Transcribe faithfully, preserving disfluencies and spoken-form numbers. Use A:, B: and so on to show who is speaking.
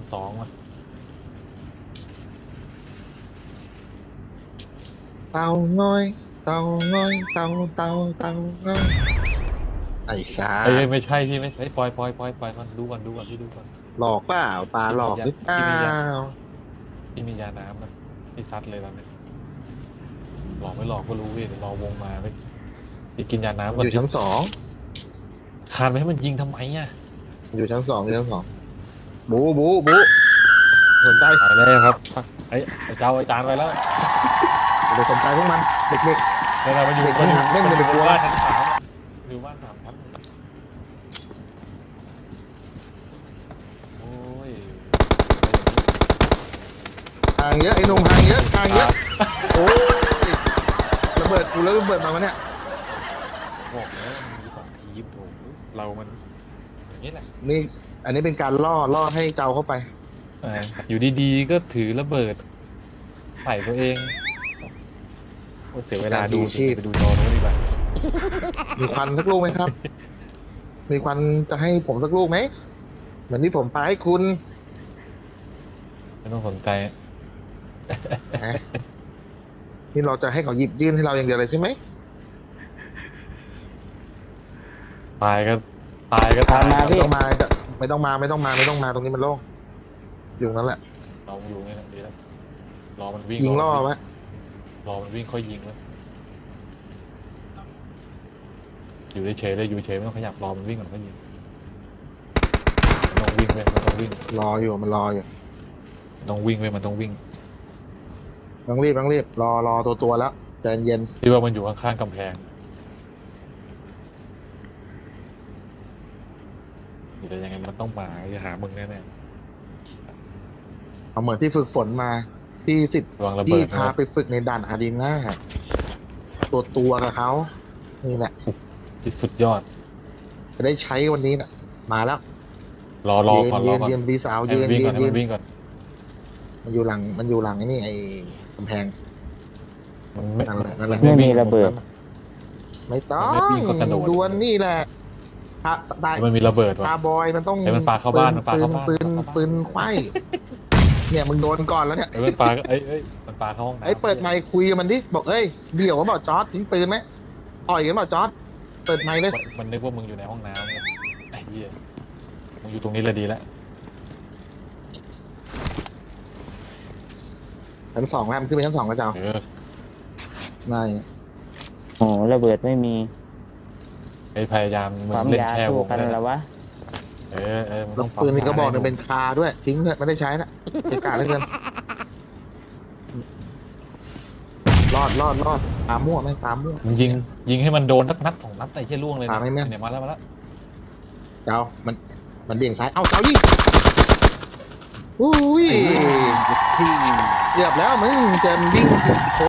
A: สองว่ะ
B: เต่าง้อยเต่าง้อยเต่าเต่าเต่าง้อยไอ้สา
A: เอ้ยไม่ใช่พี่ไม่ไอ้ยปล่อยปล่อยปล่อยปล่อยมันดูก่อนดูก่อนพี่ดูก่อน
B: หลอกเปล่าปลาหลอกหรือเปล่า
A: พี่มียาน้ำนะพี่ซัดเลยตอนนี้หลอกไม่หลอกก็รู้เว้ยเดี๋ยวรอวงมาไปพี่กินยาน้ำก่อน
B: อยู่ชั้นสอง
A: คานไปให้มันยิงทำไมอ่ะ
B: อยู่ชั้นสองอยู่ชั้นสองบูบูบูสนใจ
A: ตายแล้วครับไอ้ไอ้เจ้าไอ้จานไปแล้ว
B: เดี๋ยวสนใจพวกมันเด็ก
A: เดี๋ยวเราไปอยู่
B: เด็ก
A: มันอยู่
B: เล่น
A: มัน
B: เล่
A: อน ยู่
B: เล่น
A: บ้านชั้นสามอยู่บ้านสามชั้นโอ้ย
B: ๆห่างเยอะไอ้หนุ่มห่างเยอะห่างเยอะโอ้ยระเบิดกูแล้วระเบิดมาวะเนี่ย
A: บอกแล้วมันมีสองทีมโถเรามันอย่างนี้แหละ
B: นี่อันนี้เป็นการล่อล่อให้เจ้าเข้าไป
A: เอออยู่ดีๆก็ถือระเบิดใส่ตัวเองโอ้เสียเวลาดู
B: ชีพ
A: ไปดูจอโน้นดีกว่า
B: มีควันสักลูกไหมครับ มีควันจะให้ผมสักลูกไหมเหมือนที่ผมพาให้คุณ
A: ไม่ต้องสนใจ
B: นะนี่เราจะให้เขาหยิบยื่นให้เราอย่างเดียวเลยใช่ไหม
A: ตายก็ตายก็ตาย
C: ตามมา
B: ไม่ต้องมาจะไม่ต้องมาไม่ต้องมาไม่ต้องมาตรงนี้มันโล่งอยู่นั่นแหละ
A: เราอยู่นี่แหละดีแล้วรอมันวิ่ง
B: ยิงล่อ
A: มัน
B: ไหม
A: วิ่งรอมันวิ่งค่อยยิงแล้วอยู่เฉยๆเลยอยู่เฉยไม่ต้องขยับรอมันวิ่งก่อนค่อยยิงมันต้องวิ่งเว้ยมันต้องวิ่ง
B: รออยู่มันรออยู่
A: มันต้องวิ่งเว้ยมันต้องวิ่ง
B: ต้องรีบต้องรีบรอรอตัวตัวแล้วใจเย็น
A: ที่ว่ามันอยู่ข้างๆกำแพงแต่ยังไงมันต้องมาจะหามึงแน่
B: เอาเหมือนที่ฝึกฝนมาที่สิทธิ์
A: ๆระวังระ
B: ที่
A: เบิดนะ
B: พาไปฝึกในด่านอารีนาตัวตัวกับเขานี่แหละ
A: ที่สุดยอด
B: จะได้ใช้วันนี้น่ะ มาแล้ว
A: รอรอ
B: ยืน
A: ก่อนร
B: ยื
A: อน ก่อน
B: ยืนดีสาว
A: ให้
B: ยื
A: มัน นวิ่ง
B: ยื
A: ก่อน
B: น
A: ให้
B: ยื
A: มัน นวิ่งก่อน
B: มันอยู่หลังมันอยู่หลังไอ้นี่ไอ้กำแพง
A: มันไม่
B: นั่นแหละนั่นแหละ
C: ไม่มี
A: วิ่ง
C: ระเบิด
B: ไม่ต้อง
A: มันไม่วิ่งก็กระโดด
B: ดวลนี่แหละถ้าได้
A: มันมีระเบิด
B: ตา
A: ว่ะ
B: บอยมันต้อง
A: เฮ้ยมันปาเข้าบ้านมันปาเข้าบ้าน
B: ปืน
A: มันปาเข้าบ้าน
B: ปืนไขว้เนี่ยมึงโดนก่อนแล้วเนี่ย
A: เอ้ยมันปาเอ้ยเอ้ยมันปาเข้าห้องน้ำ
B: ไอ้ยเปิดไมค์คุยกับมันดิบอกเอ้ยเดี๋ยวว่าบอกจอร์ดทิ้งปืนไหมต่อยกันบอกจอร์ดเปิดไมค์เลย
A: มันมันนึกว่ามึงอยู่ในห้องน้ำเนี่ยไอ้เหี้ยมึงอยู่ตรงนี้เลยดีแล้ว
B: ชั้นสองแล้วมันขึ้นไปชั้นสองกระเจ้า
A: เออ
B: นาย
C: โอ้ระเบิดไม่มี
A: ไอ้พยายามมึง
C: ความ
A: เล่น
C: ยา
A: แค่ว
C: สู้
A: ง
C: กัน
A: นั่นแห
C: แล้
A: ละ
C: ววะ
A: เออเออมึง
B: แล้
A: ต้
B: ว
A: อง
B: ปืนนี่ก็บอกหนึง
A: ให้
B: เป็นคาด้วยทิ้งเถอะไม่ได้ใช้นะเสียการเหลือเกินรอดรอดรอดตามมั่วไหมตามมั่ว
A: มึงยิงยิงให้มันโดนสักนัดสองนัดไอ้เหี้ยล่วงเลย
B: ปาไม่แม่น
A: เนี่ยมาแล้วมาแล้ว
B: เจ้ามันมันเบี่ยงซ้ายเอ้าเจ้าดิอุ้ยเรียบแล้วมึงจะวิ่ง